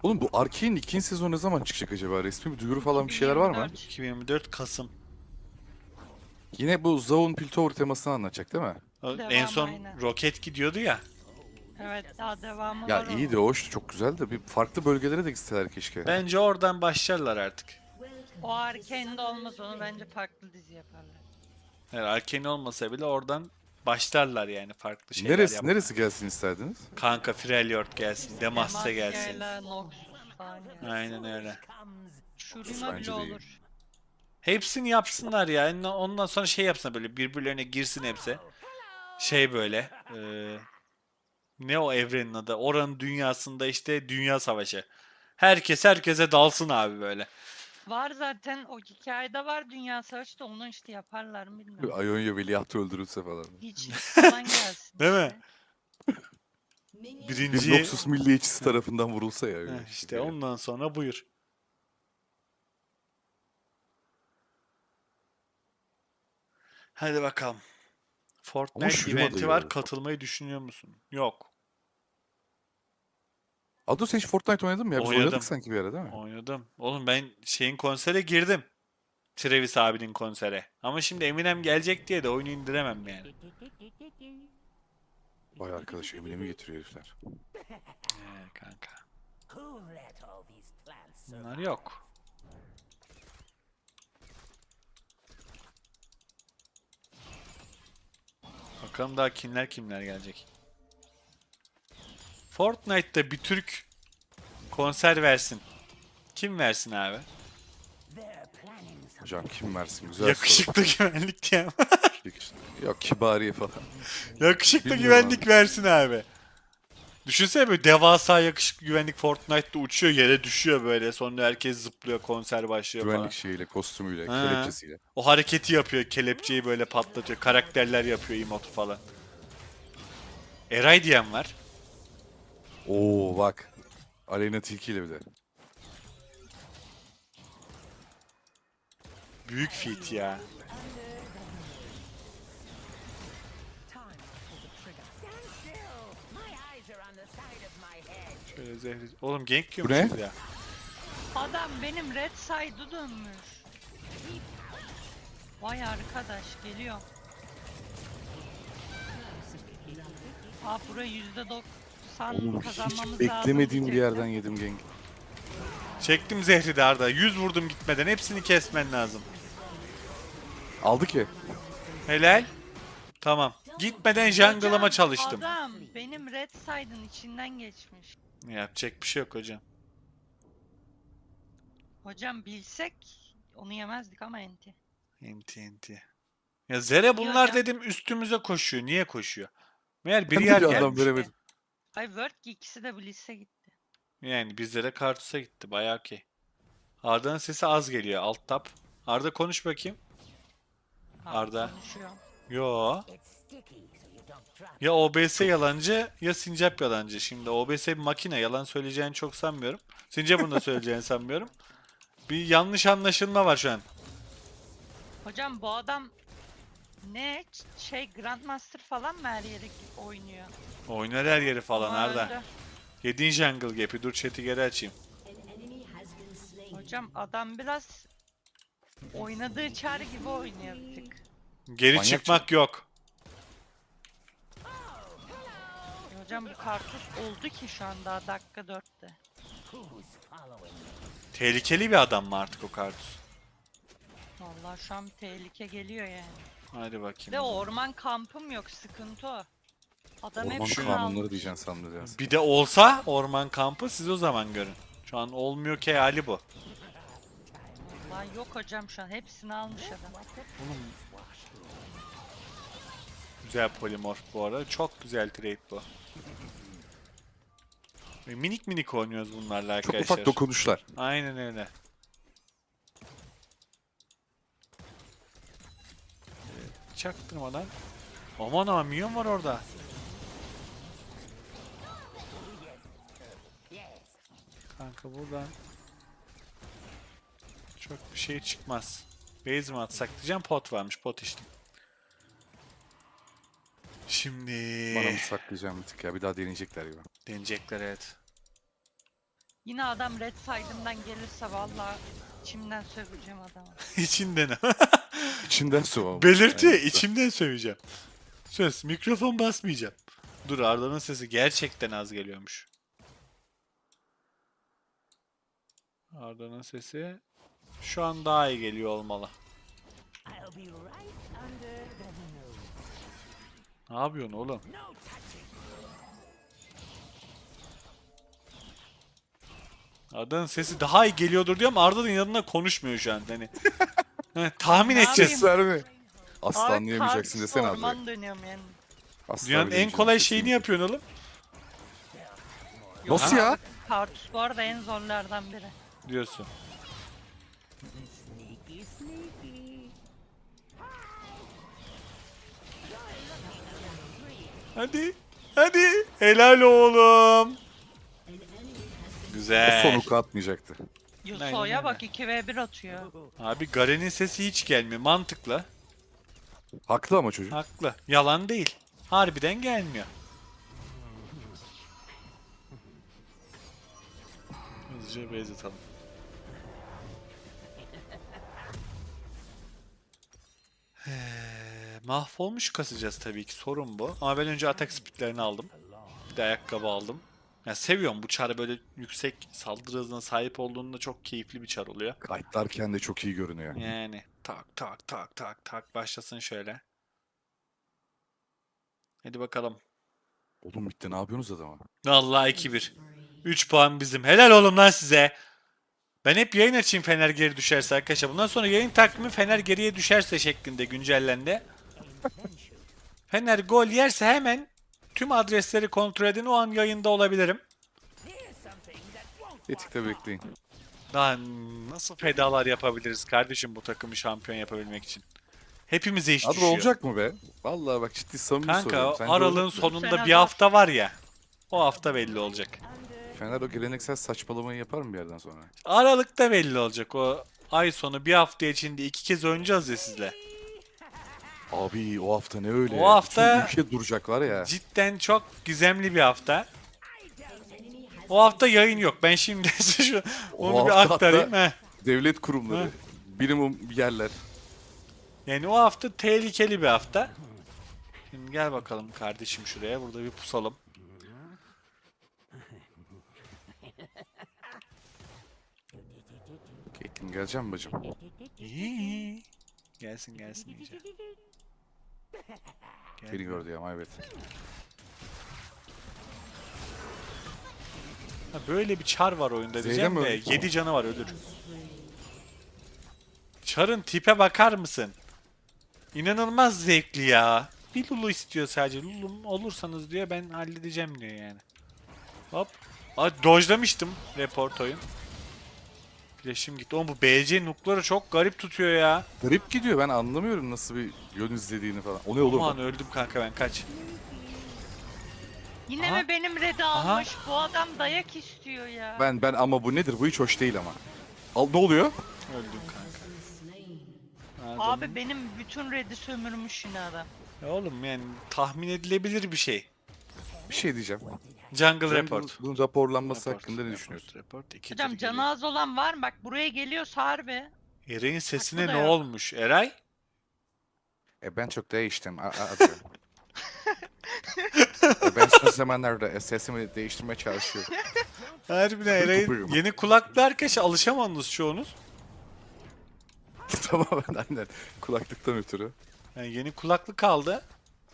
Oğlum bu Arkane'in ikinci sezonu ne zaman çıkacak acaba? Resmi bir duyuru falan bir şeyler var mı? 2024. 2024 Kasım. Yine bu Zaun Piltover temasını anlatacak değil mi? En Devam son aynen. roket gidiyordu ya. Evet, daha devamı Ya var iyi de onun. hoş, çok güzel de bir farklı bölgelere de gitseler keşke. Bence oradan başlarlar artık. O Arkane'de olmaz, onu bence farklı dizi yaparlar. Yani Arcane olmasa bile oradan başlarlar yani farklı şeyler Neresi yapmaya. neresi gelsin isterdiniz? Kanka Freljord gelsin, Demacia gelsin. Demacia'yla Noxus falan yani. Aynen öyle. Shurima bile Bence de iyi. olur. Hepsini yapsınlar ya. Ondan sonra şey yapsınlar böyle birbirlerine girsin hepsi. Şey böyle. Ne o evrenin adı? Oranın dünyasında işte dünya savaşı. Herkes herkese dalsın abi böyle. Var zaten, o hikayede var Dünya Savaşı da, onu işte yaparlar mı bilmiyorum. Ionia veliahtı öldürülse falan. Hiçlik falan gelsin Değil mi? işte. Bir Birinci Noxus milliyetçisi tarafından vurulsa ya öyle işte. işte ondan sonra buyur. Hadi bakalım. Ama Fortnite Shurima da eventi iyi var. olur. Katılmayı düşünüyor musun? Yok. Ado sen hiç Fortnite oynadın mı ya? Biz oynadık Oynadım. sanki bir ara değil mi? Oynadım. Oğlum ben şeyin konsere girdim. Travis abinin konsere. Ama şimdi Eminem gelecek diye de oyunu indiremem yani. Vay arkadaş Eminem'i getiriyor herifler. Kanka. Bunlar yok. Bakalım daha kimler gelecek. Fortnite'da bir Türk konser versin. Kim versin abi? Hocam kim versin? Güzel soru. Yakışıklı güvenlik diye. Yok Kibariye falan. Yakışıklı Bilmiyorum abi. güvenlik versin abi. Düşünsene böyle devasa yakışıklı güvenlik Fortnite'da uçuyor yere düşüyor böyle. Sonra herkes zıplıyor konser başlıyor Güvenlik falan. şeyiyle, kostümüyle, Ha. kelepçesiyle. O hareketi yapıyor. Kelepçeyi böyle patlatıyor. Karakterler yapıyor emotu falan. Eray diyen var. Oo bak. Aleyna Tilki ile bir de. Büyük feat ya. Şöyle zehri... Oğlum gank Bu ne? yiyormuşuz ya. Adam benim red side'ı dönmüş. Vay arkadaş, geliyor. Burayı %90 Oğlum hiç kazanmamız lazım beklemediğim bir diyecektim. yerden yedim gank. Çektim zehri de Arda. 100 vurdum gitmeden. Hepsini kesmen lazım. Aldı ki. Helal. Tamam. Gitmeden jungle'ıma Hocam, çalıştım. adam benim red side'ın içinden geçmiş. Yapacak bir şey yok hocam. Hocam bilsek onu yemezdik ama enti. Enti. Ya Zere İyi bunlar hocam. dedim üstümüze koşuyor. Niye koşuyor? Meğer bir Ben de yer bir anlam gelmiş. veremedim. Ay Word ki ikisi de Blitz'e gitti. Yani bizlere Kartus'a gitti. Bayağı okey. Arda'nın sesi az geliyor. Alt tap. Arda konuş bakayım. Arda. Konuşuyor. Yo. Ya OBS yalancı ya Sincap yalancı. Şimdi OBS bir makine. Yalan söyleyeceğini çok sanmıyorum. Sincap'ın da söyleyeceğini sanmıyorum. Bir yanlış anlaşılma var şu an. Hocam bu adam ne Grandmaster falan mı her yere oynuyor? Oynar her yeri falan Ama Arda. öldü. Yediğin jungle gap'i. Dur chat'i geri açayım. Hocam adam biraz oynadığı çar gibi oynuyor bir tık. Geri Manyak çıkmak yok. Hocam bu kartuş oldu ki şu an daha dakika 4'te. Tehlikeli bir adam mı artık o Kartus? Vallahi şu an bir tehlike geliyor yani. Hadi bakayım. De orman kampım yok, sıkıntı o. Adam Orman hepsini kanunları almış. diyeceksin sandım ya. Bir de olsa orman kampı siz o zaman görün. Şu an olmuyor ki hali bu. Vallahi yok hocam, şu an hepsini almış adam. Güzel polimorf bu arada. Çok güzel trade bu. Ve minik minik oynuyoruz bunlarla Çok arkadaşlar. ufak dokunuşlar. Aynen öyle. Çaktırmadan. Aman aman minyon var orada. Kanka buradan çok bir şey çıkmaz. Base mi atsak diyeceğim, pot varmış, pot içtim. Şimdi Bana mı saklayacağım bir tık ya. Bir daha deneyecekler gibi. deneyecekler evet. Yine adam red side'ımdan gelirse vallahi içimden söveceğim adamı. İçinden. İçinden su. Belirti. İçimden söveceğim. Söz. Mikrofon basmayacağım. Dur, Arda'nın sesi gerçekten az geliyormuş. Arda'nın sesi şu an daha iyi geliyor olmalı. Ne yapıyorsun oğlum? Arda'nın sesi daha iyi geliyordur diyor ama Arda'nın yanında konuşmuyor şu an. Hani tahmin Ne edeceğiz. Ses verme. Asla Abi anlayamayacaksın Kartus desene abi. orman dönüyorum yani. Asla Dünyanın en bilemeyeceğim kolay sesini. şeyini yapıyorsun oğlum. Nasıl ya? Kartus bu arada en zorlardan biri. Diyorsun. Hadi. Hadi. Helal oğlum. O Güzel. son hook'u atmayacaktı. Aynen Yasuo'ya öyle. bak 2v1 atıyor. Abi Garen'in sesi hiç gelmiyor. Mantıklı. Haklı ama çocuk. Haklı. Yalan değil. Harbiden gelmiyor. Hızlıca base atalım. Mahvolmuş kasacağız tabii ki, sorun bu. Ama ben önce atak speedlerini aldım. Bir de ayakkabı aldım. Ya seviyorum bu çarı, böyle yüksek saldırı hızına sahip olduğunda çok keyifli bir çar oluyor. Kayıtlarken de çok iyi görünüyor. Yani tak tak tak tak tak başlasın şöyle. Hadi bakalım. Oğlum bitti, ne yapıyorsunuz adama? Vallahi 2-1. 3 puan bizim. Helal oğlum lan size. Ben hep yayın açayım Fener geri düşerse arkadaşlar. Bundan sonra yayın takvimi Fener geriye düşerse şeklinde güncellendi. Fener gol yerse hemen tüm adresleri kontrol edin. O an yayında olabilirim. Etikte bekleyin. Daha nasıl fedalar yapabiliriz kardeşim bu takımı şampiyon yapabilmek için? Hepimize iş Abi düşüyor. olacak mı be? Vallahi bak, ciddi samimi Kanka soruyorum. Sence aralığın olacak mı? sonunda Sene bir zor. hafta var ya. O hafta belli olacak. Fener o geleneksel saçmalamayı yapar mı bir yerden sonra? Aralıkta belli olacak. O ay sonu bir hafta içinde 2 kez oynayacağız ya sizle. Abi o hafta ne öyle? O hafta- Bütün ülke duracak var ya. Cidden çok gizemli bir hafta. O hafta yayın yok. Ben şimdi şu onu O bir hafta aktarayım. hatta- Heh. Devlet kurumları, minimum yerler. Yani o hafta tehlikeli bir hafta. Şimdi gel bakalım kardeşim şuraya. Burada bir pusalım. Caitlyn geleceğim bacım. İyi. Gelsin gelsin iyice. Gel. Beni gördü ya, evet. Ha, böyle bir çar var oyunda Zeynep diyeceğim mi de öldü? 7 canı var, ölür. Çarın tipe bakar mısın? İnanılmaz zevkli ya. Bir Lulu istiyor sadece. Lulu'm olursanız diyor, ben halledeceğim diyor yani. Hop. Aa, dojlamıştım report oyun. Flash'im gitti. Oğlum bu BC nukları çok garip tutuyor ya. Garip gidiyor, ben anlamıyorum nasıl bir yön izlediğini falan. O ne olur Aman mu? öldüm kanka ben, kaç. Yine Aha. mi benim red'i Aha. almış? Bu adam dayak istiyor ya. Ben ama bu nedir? Bu hiç hoş değil ama. Al, ne oluyor? Öldüm kanka. Abi benim bütün red'i sömürmüş yine adam. Ya oğlum yani tahmin edilebilir bir şey. Bir şey diyeceğim. Jungle Sen report. bunun raporlanması Report, hakkında ne report, düşünüyorsun? report. İkidir Hocam geliyor. canı az olan var mı? Bak buraya geliyorsa harbi. Eray'in sesine Haklı ne da yok. olmuş Eray? Ben çok değiştim. Ben son zamanlarda sesimi değiştirmeye çalışıyorum. Harbiden Eray'in Buyurun. yeni kulaklı arkadaşa alışamadınız çoğunuz. Tamamen aynen. Kulaklıktan ötürü. Yani yeni kulaklık aldı.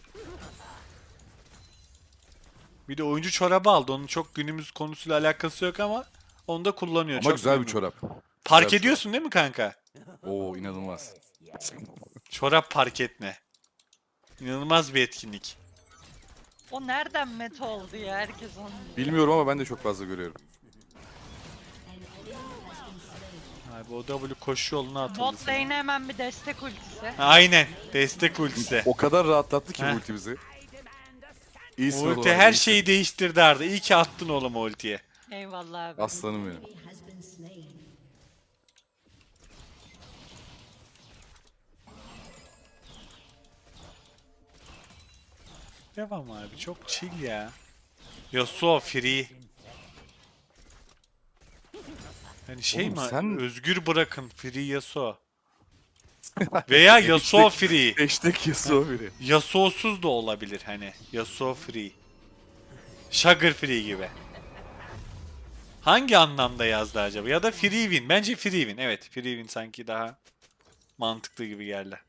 Bir de oyuncu çorabı aldı. Onun çok günümüz konusuyla alakası yok ama onu da kullanıyor. Ama çok güzel bir memnun. çorap. Park Güzel bir ediyorsun değil mi kanka? Oo, inanılmaz. Çorap park etme. İnanılmaz bir etkinlik. O nereden meta oldu ya? Herkes onu diyor. Bilmiyorum ama ben de çok fazla görüyorum. Abi o W koşu yoluna atıldı. Bot sana. lane'e hemen bir destek ultisi. Aynen. Destek ultisi. O kadar rahatlattı ki Heh. bu ulti bizi. İyisin Ulti oğlum abi, her iyisin. şeyi değiştirdi Arda. İyi ki attın oğlum o ultiye. Eyvallah abi. Aslanım benim. Devam abi. Çok chill ya. Yasuo free. Yani şey Oğlum mi? sen- Özgür bırakın Free Yasuo. Veya Yasuo Free. Hashtag Yasuo biri. Yasuo'suz da olabilir hani. Yasuo Free. Sugar Free gibi. Hangi anlamda yazdı acaba? Ya da Free Win. Bence Free Win. Evet, Free Win sanki daha mantıklı gibi geldi.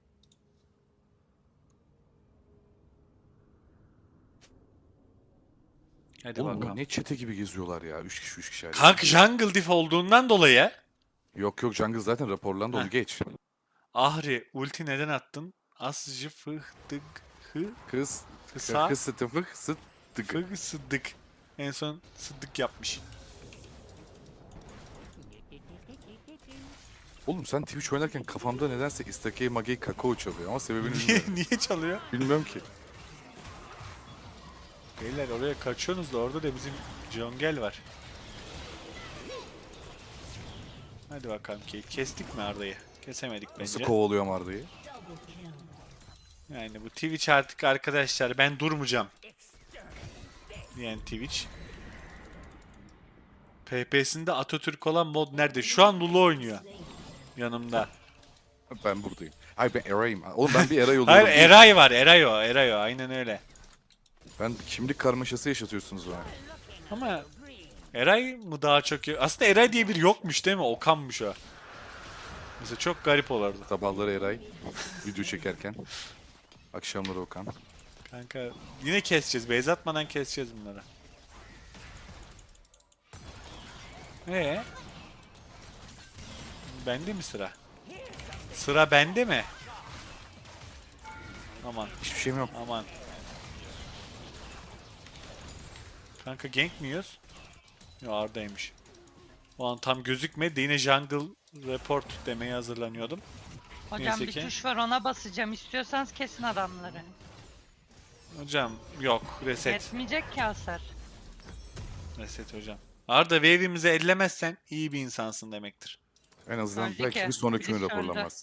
Hadi Oğlum bakalım. ne çete gibi geziyorlar ya. 3 kişi hadi. Kanka Jungle Diff olduğundan dolayı Yok yok, jungle zaten raporlandı, onu Heh. geç. Ahri ulti neden attın? Asıcı fıhtık hı Kız. kısa Kız sıtıfık sıttık. fıh sıddık. En son sıddık yapmış. Oğlum sen Twitch oynarken kafamda nedense Istakey Magey Kakao çalıyor ama sebebini Niye, bilmiyorum. niye çalıyor? Bilmiyorum ki. Beyler oraya kaçıyorsunuz da orada da bizim Jongel var. Hadi bakalım Kate. Kestik mi Arda'yı? Kesemedik Nasıl bence. kovalıyorum Arda'yı? Yani bu Twitch artık arkadaşlar ben durmayacağım. Yani Twitch. PP'sinde Atatürk olan mod nerede? Şu an Lulu oynuyor. Yanımda. Ben buradayım. Hayır ben Eray'ım. Oğlum ben bir Eray oluyorum. Hayır Eray var. Eray o. Aynen öyle. Ben kimlik karmaşası yaşatıyorsunuz bana. Ama Eray mı daha çok... Aslında Eray diye biri yokmuş değil mi? Okan'mış o. Mesela çok garip olurdu. Sabahları Eray. Video çekerken. Akşamları Okan. Kanka yine keseceğiz. Base atmadan keseceğiz bunları. Bende mi sıra? Sıra bende mi? Aman Hiçbir şeyim yok. aman. Kanka gank mi yiyoruz? Yo Arda'ymış. O an tam gözükmedi. Yine jungle report demeye hazırlanıyordum. Hocam Neyse bir ki. tuş var, ona basacağım. İstiyorsanız kesin adamları. Hocam yok reset. Yetmeyecek ki hasar. Reset hocam. Arda wave'imizi ellemezsen iyi bir insansın demektir. En azından Öldü belki ki. bir sonraki gün Birisi öldü. raporlanmaz.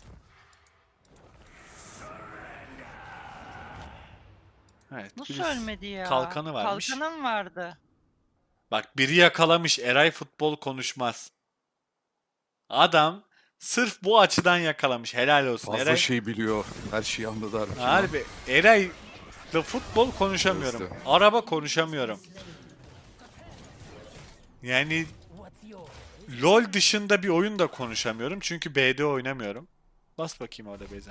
Evet. Nasıl birisi- ölmedi ya? kalkanı varmış. Kalkanım vardı. Bak biri yakalamış Eray futbol konuşmaz. Adam sırf bu açıdan yakalamış. Helal olsun Fazla Eray. şey biliyor. Her şeyi anladı harbi. Harbi Eray'la futbol konuşamıyorum. Evet. Araba konuşamıyorum. Yani LoL dışında bir oyun da konuşamıyorum. Çünkü BD oynamıyorum. Bas bakayım orada Beyza.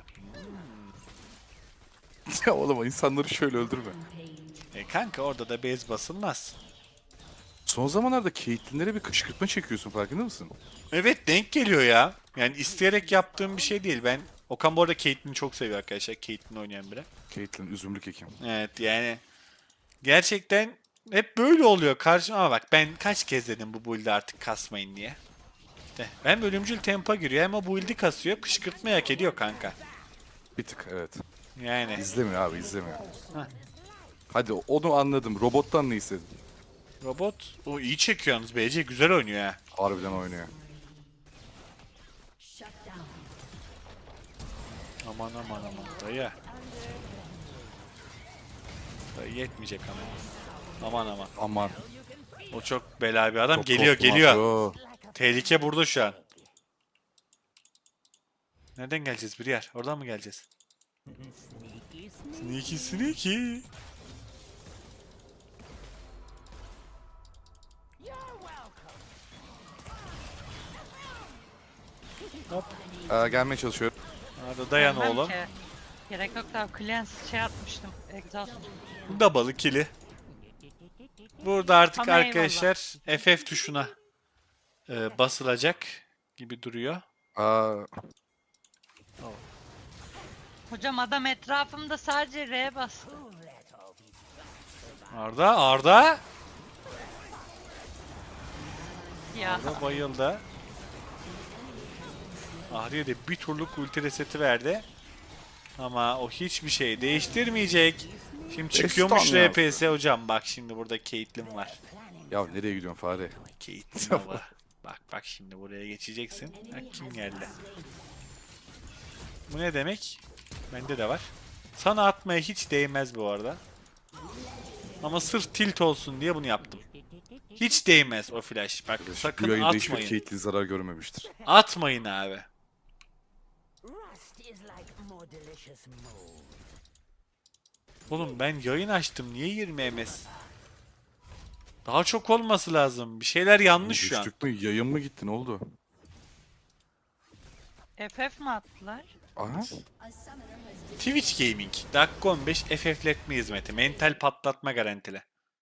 Ya oğlum insanları şöyle öldürme. Kanka orada da base basılmaz. Son zamanlarda Caitlyn'lere bir kışkırtma çekiyorsun, farkında mısın? Evet denk geliyor ya. Yani isteyerek yaptığım bir şey değil. Ben Okan bu arada Caitlyn'i çok seviyor arkadaşlar. Caitlyn oynayan biri. Caitlyn üzümlük ekim. Evet yani gerçekten hep böyle oluyor karşıma ama bak ben kaç kez dedim bu build'i artık kasmayın diye. İşte hem ölümcül tempa giriyor hem o build'i kasıyor. Kışkırtma hak ediyor kanka. Bir tık evet. Yani İzlemiyor abi, izlemiyor. Heh. Hadi onu anladım. Robottan ne istedin? robot o iyi çekiyor yalnız BC güzel oynuyor ha. Harbiden oynuyor. Aman aman aman dayı. Dayı yetmeyecek ama. Aman aman. Aman. O çok bela bir adam. Çok Geliyor korktum geliyor. abi, o. Tehlike burada şu an. Nereden geleceğiz bir yer? Oradan mı geleceğiz? Sneaky sneaky. Gelmeye çalışıyorum. Hadi dayan Bilmem oğlum. ki. Gerek yok da cleanse şey atmıştım. Exhaust. Double kill'i. Burada artık Ama arkadaşlar FF tuşuna basılacak gibi duruyor. Aa, Hocam adam etrafımda sadece R bastı. Arda Ya bayıldı. Ahriye de bir turluk ulti reseti verdi. Ama o hiçbir şey değiştirmeyecek. Şimdi çıkıyormuş Destan ya. RPS hocam. Bak şimdi burada Caitlyn var. ya nereye gidiyorsun fare? Caitlyn baba. Bak şimdi buraya geçeceksin. Bak kim geldi. Bu ne demek? Bende de var. Sana atmaya hiç değmez bu arada. Ama sırf tilt olsun diye bunu yaptım. Hiç değmez o flash. Bak Bu sakın yayında hiçbir atmayın. Caitlyn zarar görmemiştir. Atmayın abi. Oğlum ben yayın açtım. Niye 20 ms? Daha çok olması lazım. Bir şeyler yanlış şu an. Düştük mü? Yayın mı gitti? Ne oldu? FF mi attılar? Aha. Twitch Gaming. Dakika 15 FF'letme hizmeti. Mental patlatma garantili.